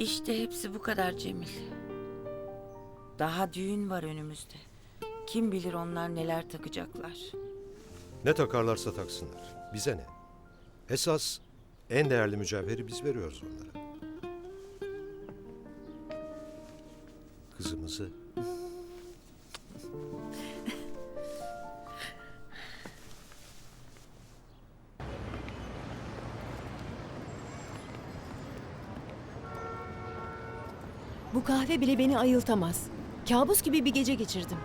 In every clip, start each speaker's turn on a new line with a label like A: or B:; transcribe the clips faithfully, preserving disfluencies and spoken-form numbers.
A: İşte hepsi bu kadar Cemil. Daha düğün var önümüzde. Kim bilir onlar neler takacaklar.
B: Ne takarlarsa taksınlar. Bize ne? Esas en değerli mücevheri biz veriyoruz onlara. Kızımızı.
C: Bu kahve bile beni ayıltamaz. Kabus gibi bir gece geçirdim.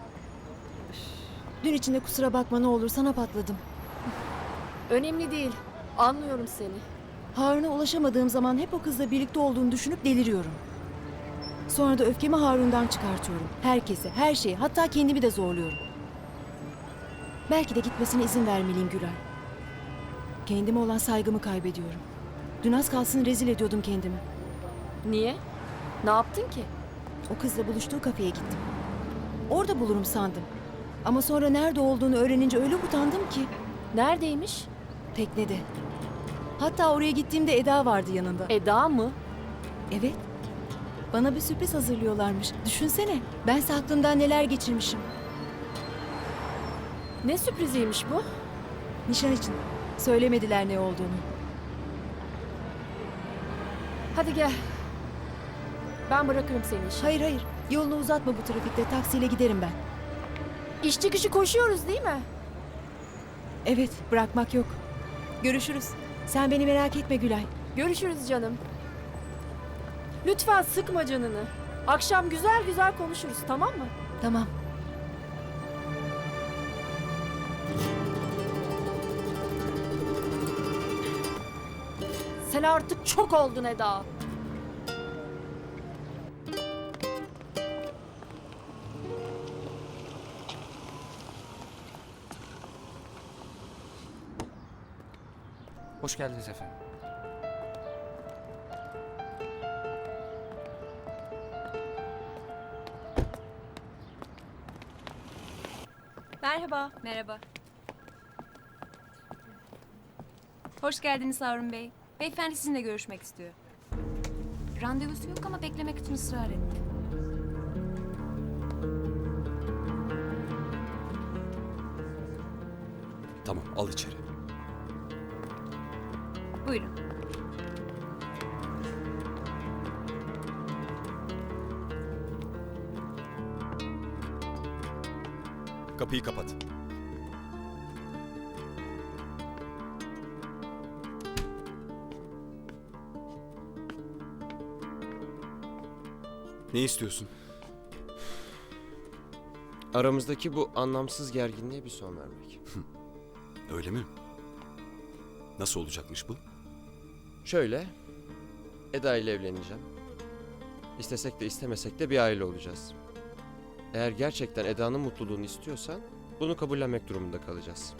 C: Dün içinde kusura bakma ne olur sana patladım.
D: Önemli değil. Anlıyorum seni.
C: Harun'a ulaşamadığım zaman hep o kızla birlikte olduğunu düşünüp deliriyorum. Sonra da öfkemi Harun'dan çıkartıyorum. Herkese, her şeye, hatta kendimi de zorluyorum. Belki de gitmesine izin vermeliyim Gülay. Kendime olan saygımı kaybediyorum. Dün az kalsın rezil ediyordum kendimi.
D: Niye? Ne yaptın ki?
C: O kızla buluştuğu kafeye gittim. Orada bulurum sandım. Ama sonra nerede olduğunu öğrenince öyle utandım ki.
D: Neredeymiş?
C: Teknede. Hatta oraya gittiğimde Eda vardı yanında.
D: Eda mı?
C: Evet. Bana bir sürpriz hazırlıyorlarmış. Düşünsene. Bense aklımdan neler geçirmişim.
D: Ne sürpriziymiş bu?
C: Nişan için. Söylemediler ne olduğunu.
D: Hadi gel. Ben bırakırım seni işe.
C: Hayır hayır. Yolunu uzatma bu trafikte. Taksiyle giderim ben.
D: İş çıkışı koşuyoruz değil mi?
C: Evet. Bırakmak yok. Görüşürüz. Sen beni merak etme Gülay.
D: Görüşürüz canım. Lütfen sıkma canını. Akşam güzel güzel konuşuruz, tamam mı?
C: Tamam.
D: Sen artık çok oldun Eda.
E: Hoş geldiniz efendim.
F: Merhaba. Merhaba. Hoş geldiniz Harun Bey. Beyefendi sizinle görüşmek istiyor. Randevusu yok ama beklemek için ısrar etti.
E: Tamam, al içeri.
F: Buyurun.
E: Kapıyı kapat. Ne istiyorsun?
G: Aramızdaki bu anlamsız gerginliğe bir son vermek.
E: Öyle mi? Nasıl olacakmış bu?
G: Şöyle, Eda ile evleneceğim. İstesek de istemesek de bir aile olacağız. Eğer gerçekten Eda'nın mutluluğunu istiyorsan bunu kabullenmek durumunda kalacağız.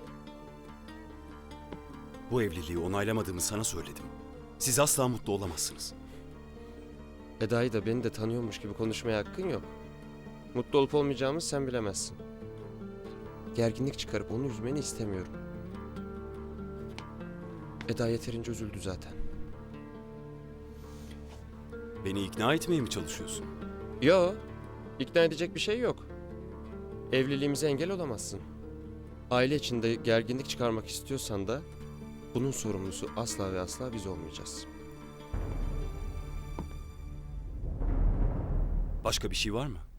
E: Bu evliliği onaylamadığımı sana söyledim. Siz asla mutlu olamazsınız.
G: Eda'yı da beni de tanıyormuş gibi konuşmaya hakkın yok. Mutlu olup olmayacağımızı sen bilemezsin. Gerginlik çıkarıp onu üzmeni istemiyorum. Eda yeterince üzüldü zaten.
E: Beni ikna etmeye mi çalışıyorsun?
G: Yo, ikna edecek bir şey yok. Evliliğimize engel olamazsın. Aile içinde gerginlik çıkarmak istiyorsan da bunun sorumlusu asla ve asla biz olmayacağız.
E: Başka bir şey var mı?